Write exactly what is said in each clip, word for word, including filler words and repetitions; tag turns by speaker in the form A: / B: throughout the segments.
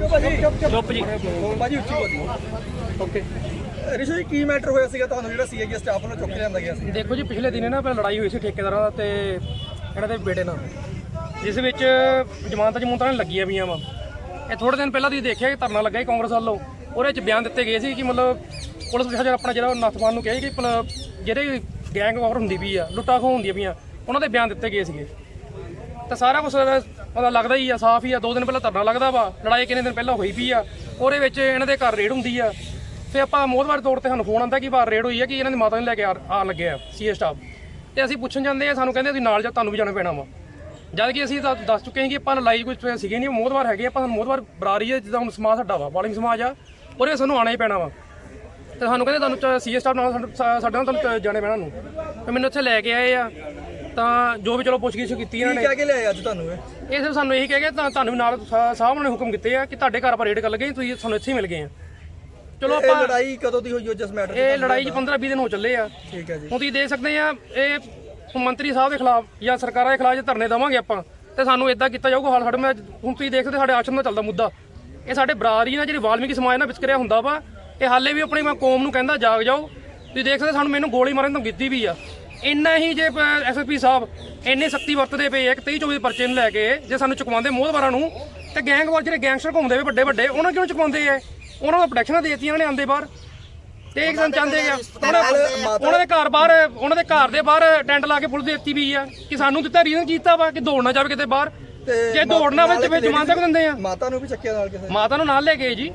A: ਚੁੱਪ ਜੀ
B: ਭਾਜੀ ਉੱਚੀ ਬੋਲੀ। ਓਕੇ ਰਿਸ਼ੂ ਜੀ ਕੀ ਮੈਟਰ ਹੋਇਆ ਸੀਗਾ ਤੁਹਾਨੂੰ ਜਿਹੜਾ ਸੀਆਈਏ ਸਟਾਫ ਨੂੰ ਚੁੱਕ ਲਿਆਂਦਾ ਗਿਆ ਸੀ?
A: ਦੇਖੋ ਜੀ, ਪਿਛਲੇ ਦਿਨੇ ਨਾ ਪਹਿਲਾਂ ਲੜਾਈ ਹੋਈ ਸੀ ਠੇਕੇਦਾਰਾਂ ਦਾ ਤੇ ਇਹਨਾਂ ਦੇ ਬੇਟੇ ਨਾਲ, ਜਿਸ ਵਿੱਚ ਜ਼ਮਾਨਤਾਂ ਜਮੂਨਤਾਂ ਲੱਗੀਆਂ ਪਈਆਂ ਵਾ। ਇਹ ਥੋੜੇ ਦਿਨ ਪਹਿਲਾਂ ਤੁਸੀਂ ਦੇਖਿਆ ਕਿ ਧਰਨਾ ਲੱਗਾ ਸੀ ਕਾਂਗਰਸ ਵੱਲੋਂ, ਉਹਦੇ ਵਿੱਚ ਬਿਆਨ ਦਿੱਤੇ ਗਏ ਸੀ ਕਿ ਮਤਲਬ ਪੁਲਿਸ ਪ੍ਰਸ਼ਾਸਨ ਆਪਣਾ ਜਿਹੜਾ ਨੱਥਵਾਨ ਨੂੰ ਕਿਹਾ ਕਿ ਮਤਲਬ ਜਿਹੜੇ ਗੈਂਗ ਵਾਰ ਹੁੰਦੀ ਪਈ ਆ, ਲੁੱਟਾਂ ਖੋਹ ਹੁੰਦੀਆਂ ਪਈਆਂ, ਉਹਨਾਂ ਦੇ ਬਿਆਨ ਦਿੱਤੇ ਗਏ ਸੀਗੇ। ਤਾਂ ਸਾਰਾ ਕੁਛ ਪਤਾ ਲੱਗਦਾ ਹੀ ਆ, ਸਾਫ਼ ਹੀ ਆ। ਦੋ ਦਿਨ ਪਹਿਲਾਂ ਧਰਨਾ ਲੱਗਦਾ ਵਾ, ਲੜਾਈ ਕਿੰਨੇ ਦਿਨ ਪਹਿਲਾਂ ਹੋਈ ਪਈ ਆ, ਉਹਦੇ ਵਿੱਚ ਇਹਨਾਂ ਦੇ ਘਰ ਰੇਡ ਹੁੰਦੀ ਆ। ਫਿਰ ਆਪਾਂ ਮੋਹਤਵਾਰ ਤੌਰ ਤੇ ਸਾਨੂੰ ਫੋਨ ਆਉਂਦਾ ਕਿ ਬਾਹਰ ਰੇਡ ਹੋਈ ਆ, ਕਿ ਇਹਨਾਂ ਦੀ ਮਾਤਾ ਨੂੰ ਲੈ ਕੇ ਆਉਣ ਲੱਗੇ ਆ ਸੀਏ ਸਟਾਫ, ਤੇ ਅਸੀਂ ਪੁੱਛਣ ਜਾਂਦੇ ਆ, ਸਾਨੂੰ ਕਹਿੰਦੇ ਤੁਸੀਂ ਨਾਲ ਜਾ, ਤੁਹਾਨੂੰ ਵੀ ਜਾਣਾ ਪੈਣਾ ਵਾ। ਜਦ ਕਿ ਅਸੀਂ ਤਾਂ ਦੱਸ ਚੁੱਕੇ ਹਾਂ ਕਿ ਆਪਾਂ ਲੜਾਈ ਕੋਈ ਸੀਗੇ ਨਹੀਂ, ਮੋਹਤਵਾਰ ਹੈਗੇ ਆਪਾਂ, ਸਾਨੂੰ ਮੋਹਤਵਾਰ ਬਰਾਰੀ ਹੈ, ਜਿੱਦਾਂ ਹੁਣ ਸਮਾਜ ਸਾਡਾ ਵਾ, ਵਾਲਿੰਗ ਸਮਾਜ ਆ, ਉਹਦੇ ਸਾਨੂੰ ਆਉਣਾ ਹੀ ਪੈਣਾ ਵਾ। ਤੇ ਸਾਨੂੰ ਕਹਿੰਦੇ ਤੁਹਾਨੂੰ ਸੀਏ ਸਟਾਫ ਨਾਲ ਸਾਡੇ ਨਾਲ ਤੁਹਾਨੂੰ ਜਾਣੇ ਪੈਣਾ ਨੂੰ। ਤੇ ਮੈਨੂੰ ਇੱਥੇ ਲੈ ਕੇ ਆਏ ਆ, ਤਾਂ ਜੋ ਵੀ ਚਲੋ ਪੁੱਛਗਿੱਛ ਕੀਤੀ ਇਹਨਾਂ ਨੇ।
B: ਕਹਿ ਕੇ ਲਿਆਏ ਅੱਜ ਤੁਹਾਨੂੰ? ਇਹ
A: ਇਹ ਸਿਰਫ ਸਾਨੂੰ ਇਹੀ ਕਹਿ ਕੇ ਤਾਂ ਤੁਹਾਨੂੰ ਵੀ ਨਾਲ ਸਾਹਿਬ ਨੇ ਹੁਕਮ ਕੀਤੇ ਆ ਕਿ ਤੁਹਾਡੇ ਘਰ ਆਪਾਂ ਰੇਡ ਕਰ ਲਗੇ, ਤੁਸੀਂ ਸਾਨੂੰ ਇੱਥੇ ਹੀ ਮਿਲ ਗਏ ਆ। ਚਲੋ ਆਪਾਂ
B: ਲੜਾਈ ਕਦੋਂ ਦੀ ਹੋਈ ਹੋ ਜਿਸ ਮੈਟਰ?
A: ਇਹ ਲੜਾਈ ਜੀ ਪੰਦਰਾਂ ਵੀਹ ਦਿਨ ਹੋ ਚੱਲੇ ਆ।
B: ਠੀਕ ਹੈ ਜੀ।
A: ਹੁਣ ਤੁਸੀਂ ਦੇਖ ਸਕਦੇ ਆ, ਇਹ ਮੰਤਰੀ ਸਾਹਿਬ ਦੇ ਖਿਲਾਫ ਜਾਂ ਸਰਕਾਰਾਂ ਦੇ ਖਿਲਾਫ ਜੇ ਧਰਨੇ ਦੇਵਾਂਗੇ ਆਪਾਂ, ਤੇ ਸਾਨੂੰ ਇਦਾਂ ਕੀਤਾ ਜਾਊਗਾ। ਹਾਲ ਸਾਡੇ ਮੈਂ ਹੁਣ ਤੁਸੀਂ ਦੇਖ ਸਕਦੇ ਸਾਡੇ ਆਸ਼ਰਮ ਦਾ ਚੱਲਦਾ ਮੁੱਦਾ, ਇਹ ਸਾਡੇ ਬਰਾਦਰੀ ਨਾਲ ਜਿਹੜੀ ਵਾਲਮੀਕੀ ਸਮਾਜ ਨਾਲ ਵਿਚਕਰਿਆ ਹੁੰਦਾ ਵਾ, ਇਹ ਹਾਲੇ ਵੀ ਆਪਣੀ ਮੈਂ ਕੌਮ ਨੂੰ ਕਹਿੰਦਾ ਜਾਗ ਜਾਓ। ਤੁਸੀਂ ਦੇਖ ਸਕਦੇ ਸਾਨੂੰ ਮੈਨੂੰ ਗੋਲੀ ਮਾਰਨ ਤੋਂ ਕੀਤੀ ਵੀ ਆ। ਇੰਨਾ ਹੀ ਜੇ ਐਸ ਐਸ ਪੀ ਸਾਹਿਬ ਇੰਨੇ ਸਖਤੀ ਵਰਤਦੇ ਪਏ ਇੱਕ ਤੇਈ ਚੌਵੀ ਪਰਚੇ ਨੂੰ ਲੈ ਕੇ, ਜੇ ਸਾਨੂੰ ਚੁਕਵਾਉਂਦੇ ਮੋਹਤਵਾਰਾਂ ਨੂੰ, ਤੇ ਗੈਂਗਵਾਰ ਜਿਹੜੇ ਗੈਂਗਸਟਰ ਘੁੰਮਦੇ ਵੇ ਵੱਡੇ ਵੱਡੇ, ਉਹਨਾਂ ਕਿਉਂ ਚੁਕਵਾਉਂਦੇ ਆ? ਉਹਨਾਂ ਨੂੰ ਪ੍ਰੋਟੈਕਸ਼ਨਾਂ ਦੇਤੀਆਂ ਨੇ ਆਂਦੇ ਬਾਹਰ, ਤੇ ਇੱਕ ਦਿਨ ਚਾਹੁੰਦੇ ਆ ਉਹਨਾਂ ਦੇ ਘਰ ਬਾਹਰ, ਉਹਨਾਂ ਦੇ ਘਰ ਦੇ ਬਾਹਰ ਟੈਂਟ ਲਾ ਕੇ ਪੁਲਿਸ ਦਿੱਤੀ ਵੀ ਆ ਕਿ ਸਾਨੂੰ ਦਿੱਤਾ ਰੀਜ਼ਨ ਕੀਤਾ ਵਾ ਕਿ ਦੌੜਨਾ ਜਾਵੇ ਕਿਤੇ ਬਾਹਰ, ਜੇ ਦੌੜਨਾ ਹੋਵੇ ਤੇ ਫਿਰ ਜਮਾਨਤ ਦਿੰਦੇ ਆ।
B: ਮਾਤਾ ਨੂੰ ਵੀ ਚੱਕਿਆ ਨਾਲ ਕਿਸੇ?
A: ਮਾਤਾ ਨੂੰ ਨਾਲ ਲੈ ਗਏ ਜੀ।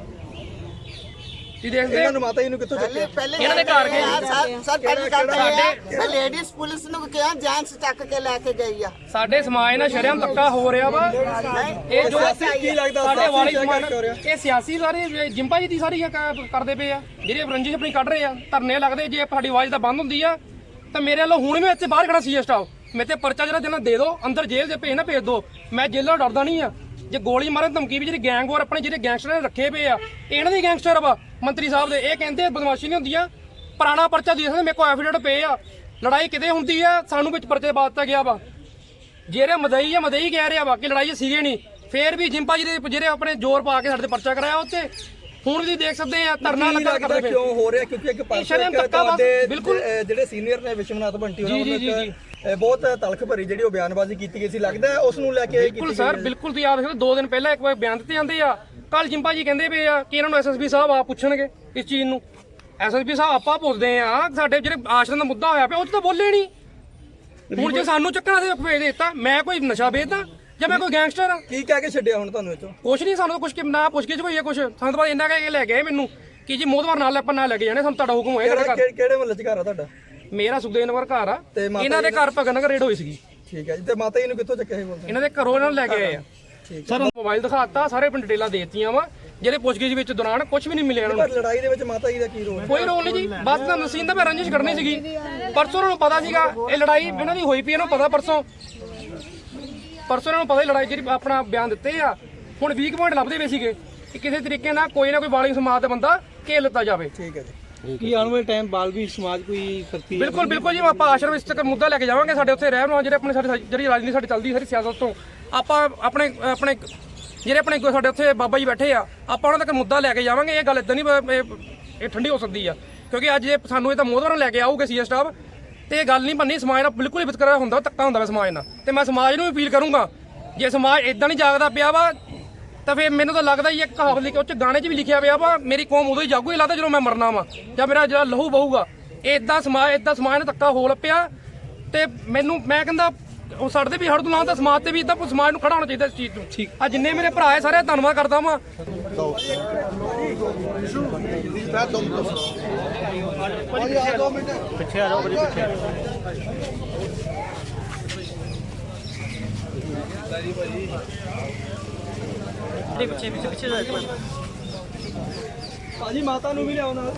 A: ਤੁਸੀਂ ਦੇਖਦੇ
B: ਇਹਨਾਂ ਨੂੰ ਮਾਤਾ ਜੀ ਨੂੰ ਕਿੱਥੋਂ ਚੱਕਿਆ?
A: ਇਹਨਾਂ ਦੇ ਘਰ ਗਏ
C: ਸਰ ਪਹਿਲੀ ਗੱਲ ਤਾਂ ਇਹ ਲੇਡੀਜ਼ ਪੁਲਿਸ ਨੂੰ ਕਿਹਾ ਜੈਂਟਸ ਚੱਕ ਕੇ ਲੈ ਕੇ ਗਈ ਆ।
A: ਸਾਡੇ ਸਮਾਜ ਨਾਲ ਸ਼ਰਮ ਧੱਕਾ ਹੋ ਰਿਹਾ ਵਾ। ਇਹ ਜੋ
B: ਕੀ ਲੱਗਦਾ
A: ਸਾਡੇ ਵਾਲੀ ਸਮਾਜ, ਇਹ ਸਿਆਸੀ ਸਾਰੇ ਜਿੰਪਾ ਜੀ ਦੀ ਸਾਰੀ ਕਰਦੇ ਪਏ ਆ, ਜਿਹੜੇ ਰੰਜਿਸ਼ ਆਪਣੀ ਕੱਢ ਰਹੇ ਆ। ਧਰਨੇ ਲੱਗਦੇ, ਜੇ ਸਾਡੀ ਆਵਾਜ਼ ਤਾਂ ਬੰਦ ਹੁੰਦੀ ਆ ਤਾਂ ਮੇਰੇ ਵੱਲੋਂ ਹੁਣ ਵੀ ਇੱਥੇ ਬਾਹਰ ਖੜਾ ਸੀ ਸਟਾਫ, ਮੇਰੇ ਤੇ ਪਰਚਾ ਜਿਹੜਾ ਦੇਣਾ ਦੇ ਦਿਓ, ਅੰਦਰ ਜੇਲ੍ਹ ਦੇ ਭੇਜ ਨਾ ਭੇਜ ਦਿਓ, ਮੈਂ ਜੇਲ੍ਹ ਡਰਦਾ ਨਹੀਂ ਆ। ਜੇ ਗੋਲੀ ਮਾਰਨ ਧਮਕੀ ਵੀ ਜਿਹੜੀ ਗੈਂਗ ਵਾਰ ਆਪਣੇ ਜਿਹੜੇ ਗੈਂਗਸਟਰ ਨੇ ਰੱਖੇ ਪਏ ਆ, ਇਹਨਾਂ ਦੇ ਗੈਂਗਸਟਰ ਵਾ ਮੰਤਰੀ ਸਾਹਿਬ ਦੇ। ਇਹ ਕਹਿੰਦੇ ਬਦਮਾਸ਼ੀ ਨਹੀਂ ਹੁੰਦੀ ਆ, ਪੁਰਾਣਾ ਪਰਚਾ ਦੇ ਸਕਦੇ, ਮੇਰੇ ਕੋਲ ਐਫੀਡੇਵਿਟ ਪਏ ਆ। ਲੜਾਈ ਕਿਤੇ ਹੁੰਦੀ ਆ, ਸਾਨੂੰ ਵਿੱਚ ਪਰਚੇ ਪਾ ਦਿੱਤਾ ਗਿਆ ਵਾ। ਜਿਹੜੇ ਮਦਈ ਆ ਮਦਈ ਕਹਿ ਰਿਹਾ ਵਾ ਕਿ ਲੜਾਈ ਸੀਗੇ ਨਹੀਂ, ਫੇਰ ਵੀ ਜਿੰਪਾ ਜੀ ਦੇ ਜਿਹੜੇ ਆਪਣੇ ਜ਼ੋਰ ਪਾ ਕੇ ਸਾਡੇ ਤੇ ਪਰਚਾ ਕਰਾਇਆ ਉੱਤੇ। ਹੁਣ ਵੀ ਦੇਖ ਸਕਦੇ ਆ ਧਰਨਾ ਲੱਗਾ ਕਰਦੇ ਪਏ।
B: ਕਿਉਂ ਹੋ ਰਿਹਾ? ਕਿਉਂਕਿ ਇੱਕ ਪਾਸੇ ਬਿਲਕੁਲ ਜਿਹੜੇ ਸੀਨੀਅਰ ਨੇ ਵਿਸ਼ਵਨਾਥ ਬੰਟੀ ਉਹਨਾਂ ਨੂੰ ਬਹੁਤ ਤਲਖ ਭਰੀ ਜਿਹੜੀ ਉਹ ਬਿਆਨਬਾਜ਼ੀ ਕੀਤੀ ਗਈ ਸੀ, ਲੱਗਦਾ ਉਸ ਨੂੰ ਲੈ ਕੇ
A: ਬਿਲਕੁਲ ਸਰ, ਬਿਲਕੁਲ ਤੁਸੀਂ ਆਪ ਦੇਖੋ ਦੋ ਦਿਨ ਪਹਿਲਾਂ ਇੱਕ ਵਾਰ ਬਿਆਨ ਦਿੱਤੇ ਜਾਂਦੇ ਆ। ਕੱਲ ਜਿੰਪਾ ਜੀ ਕਹਿੰਦੇ ਪਏ ਆ ਕਿ ਇਹਨਾਂ ਨੂੰ ਐਸ ਐਸ ਪੀ ਸਾਹਿਬ ਆ ਪੁੱਛਣਗੇ ਇਸ ਚੀਜ਼ ਨੂੰ। ਐਸ ਐਸ ਪੀ ਸਾਹਿਬ ਆਪਾਂ ਪੁੱਛਦੇ ਆ, ਸਾਡੇ ਜਿਹੜੇ ਆਸ਼ਰਮ ਦਾ ਮੁੱਦਾ ਹੋਇਆ ਪਿਆ ਉਹ ਤਾਂ ਬੋਲੇ ਨਹੀਂ। ਹੁਣ ਜੇ ਸਾਨੂੰ ਚੱਕਣਾ ਸੀ ਭੇਜ ਦਿੱਤਾ, ਮੈਂ ਕੋਈ ਨਸ਼ਾ ਵੇਚਦਾ ਜਾਂ ਮੈਂ ਕੋਈ ਗੈਂਗਸਟਰ ਆ?
B: ਕੀ ਕਹਿ ਕੇ ਛੱਡਿਆ ਹੁਣ ਤੁਹਾਨੂੰ ਇੱਥੋਂ?
A: ਕੁਛ ਨਹੀਂ, ਸਾਨੂੰ ਕੁਛ ਨਾ ਪੁੱਛ ਕੇ ਹੋਈ ਕੁਛ, ਸਾਨੂੰ ਤਾਂ ਇੰਨਾ ਕਹਿ ਕੇ ਲੈ ਗਏ ਮੈਨੂੰ ਕਿ ਜੀ ਮੋਹਤਵਾਰ ਨਾਲ ਆਪਾਂ ਨਾਲ ਲੈ ਕੇ ਜਾਣੇ, ਸਾਨੂੰ ਤੁਹਾਡਾ ਹੁਕਮ ਹੋਇਆ।
B: ਕਿਹੜੇ ਮਹੱਲੇ 'ਚ ਘਰ ਆ ਤੁਹਾਡਾ?
A: ਮੇਰਾ ਸੁਖਦੇਵ ਨਗਰ ਘਰ ਆ, ਇਹਨਾਂ ਦੇ ਘਰ ਭਗਤ ਨਗਰ ਰੇਡ ਹੋਈ ਸੀਗੀ।
B: ਠੀਕ ਹੈ ਜੀ। ਤੇ ਮਾਤਾ ਜੀ ਨੂੰ ਕਿੱਥੋਂ ਚੱਕਿਆ ਸੀ? ਬੋਲਦੇ
A: ਇਹਨਾਂ ਦੇ ਘਰੋਂ ਇਹਨਾਂ ਨੂੰ ਲੈ ਕੇ ਆਏ ਆ ਸਰ। ਮੋਬਾਈਲ ਦਿਖਾਤਾ, ਸਾਰੇ ਪਿੰਡ ਡਿਟੇਲਾਂ ਦੇਤੀਆਂ ਵਾ, ਜਿਹੜੇ ਪੁੱਛਗਿੱਛ ਵਿੱਚ ਦੌਰਾਨ ਕੁਝ ਵੀ ਨਹੀਂ ਮਿਲਿਆ ਇਹਨਾਂ ਨੂੰ।
B: ਲੜਾਈ ਦੇ ਵਿੱਚ ਮਾਤਾ ਜੀ ਦਾ ਕੀ ਰੋਲ?
A: ਕੋਈ ਰੋਲ ਨਹੀਂ ਜੀ, ਬਸ ਤਾਂ ਨਸੀਨ ਦਾ ਮੈਂ ਰੰਜਿਸ਼ ਕਰਨੀ ਸੀਗੀ। ਪਰਸੋਂ ਉਹਨਾਂ ਨੂੰ ਪਤਾ ਸੀਗਾ ਇਹ ਲੜਾਈ ਇਹਨਾਂ ਦੀ ਹੋਈ ਪਈ, ਇਹਨਾਂ ਨੂੰ ਪਤਾ ਪਰਸੋਂ ਪਰਸੋਂ ਇਹਨਾਂ ਨੂੰ ਪਤਾ ਹੀ ਲੜਾਈ ਜਿਹੜੀ ਆਪਣਾ ਬਿਆਨ ਦਿੱਤੇ ਆ। ਹੁਣ ਵੀਕ ਪੁਆਇੰਟ ਲੱਭਦੇ ਪਏ ਸੀਗੇ ਕਿ ਕਿਸੇ ਤਰੀਕੇ ਨਾਲ ਕੋਈ ਨਾ ਕੋਈ ਵਾਲਿੰਗ ਸਮਾਜ ਦਾ ਬੰਦਾ ਘੇਰ ਲਿੱਤਾ ਜਾਵੇ।
B: ਠੀਕ ਹੈ ਜੀ।
D: ਕੀ ਆਉਣ ਵਾਲੇ ਟਾਈਮ ਬਾਲਵੀ ਸਮਾਜ ਕੋਈ ਕਰਤੀ?
A: ਬਿਲਕੁਲ ਬਿਲਕੁਲ ਜੀ, ਆਪਾਂ ਆਸ਼ਰਮ ਇਸ ਤੱਕ ਮੁੱਦਾ ਲੈ ਕੇ ਜਾਵਾਂਗੇ। ਸਾਡੇ ਉੱਥੇ ਰਹਿਣ ਵਾਲੇ ਜਿਹੜੇ ਆਪਣੇ ਸਾਡੀ ਜਿਹੜੀ ਰਾਜਨੀਤੀ ਸਾਡੀ ਚੱਲਦੀ ਸਾਰੀ ਸਿਆਸਤ ਤੋਂ, ਆਪਾਂ ਆਪਣੇ ਆਪਣੇ ਜਿਹੜੇ ਆਪਣੇ ਸਾਡੇ ਉੱਥੇ ਬਾਬਾ ਜੀ ਬੈਠੇ ਆ, ਆਪਾਂ ਉਹਨਾਂ ਤੱਕ ਮੁੱਦਾ ਲੈ ਕੇ ਜਾਵਾਂਗੇ। ਇਹ ਗੱਲ ਇਦਾਂ ਨਹੀਂ ਇਹ ਠੰਡੀ ਹੋ ਸਕਦੀ ਆ, ਕਿਉਂਕਿ ਅੱਜ ਇਹ ਸਾਨੂੰ ਇਹ ਤਾਂ ਮੋਹਤਵਾਰਾਂ ਲੈ ਕੇ ਆਊਗੇ ਸੀ ਸਟਾਫ, ਤੇ ਇਹ ਗੱਲ ਨਹੀਂ ਬਣਨੀ। ਸਮਾਜ ਨਾਲ ਬਿਲਕੁਲ ਹੀ ਵਿਤਕਰਾ ਹੁੰਦਾ, ਧੱਕਾ ਹੁੰਦਾ ਵਾ ਸਮਾਜ ਨਾਲ। ਤੇ ਮੈਂ ਸਮਾਜ ਨੂੰ ਵੀ ਅਪੀਲ ਕਰੂੰਗਾ, ਜੇ ਸਮਾਜ ਇਦਾਂ ਨਹੀਂ ਜਾਗਦਾ ਪਿਆ ਵਾ ਤਾਂ ਫਿਰ ਮੈਨੂੰ ਤਾਂ ਲੱਗਦਾ ਹੀ ਇੱਕ ਕਹਾਵਤ ਲਿਖੀ, ਉਹ 'ਚ ਗਾਣੇ 'ਚ ਵੀ ਲਿਖਿਆ ਪਿਆ ਵਾ, ਮੇਰੀ ਕੌਮ ਉਦੋਂ ਹੀ ਜਾਗੂ ਹੀ ਲੱਗਦਾ ਜਦੋਂ ਮੈਂ ਮਰਨਾ ਵਾ ਜਾਂ ਮੇਰਾ ਜਿਹੜਾ ਲਹੂ ਬਹੂਗਾ। ਇਦਾਂ ਸਮਾਜ ਇਦਾਂ ਸਮਾਜ ਨਾਲ ਧੱਕਾ ਹੋ ਲੱਪਿਆ, ਤੇ ਮੈਨੂੰ ਮੈਂ ਕਹਿੰਦਾ ਉਹ ਸਾਡੇ ਵੀ ਹੜ ਤੋਂ ਲਾਂ ਤਾਂ ਸਮਾਜ ਤੇ ਵੀ ਇਦਾਂ ਸਮਾਜ ਨੂੰ ਖੜਾ ਹੋਣਾ ਚਾਹੀਦਾ ਇਸ ਚੀਜ਼ ਤੋਂ। ਠੀਕ ਆ, ਜਿੰਨੇ ਮੇਰੇ ਭਰਾ ਹੈ ਸਾਰੇ ਧੰਨਵਾਦ ਕਰਦਾ ਵਾਂ।
D: ਪਿੱਛੇ ਆ ਜਾਓ ਬੜੀ ਪਿੱਛੇ।
A: ਪਿੱਛੇ ਪਿੱਛੇ ਪਿੱਛੇ
B: ਭਾਜੀ ਮਾਤਾ ਨੂੰ ਵੀ ਲਿਆਓ ਨਾਲ।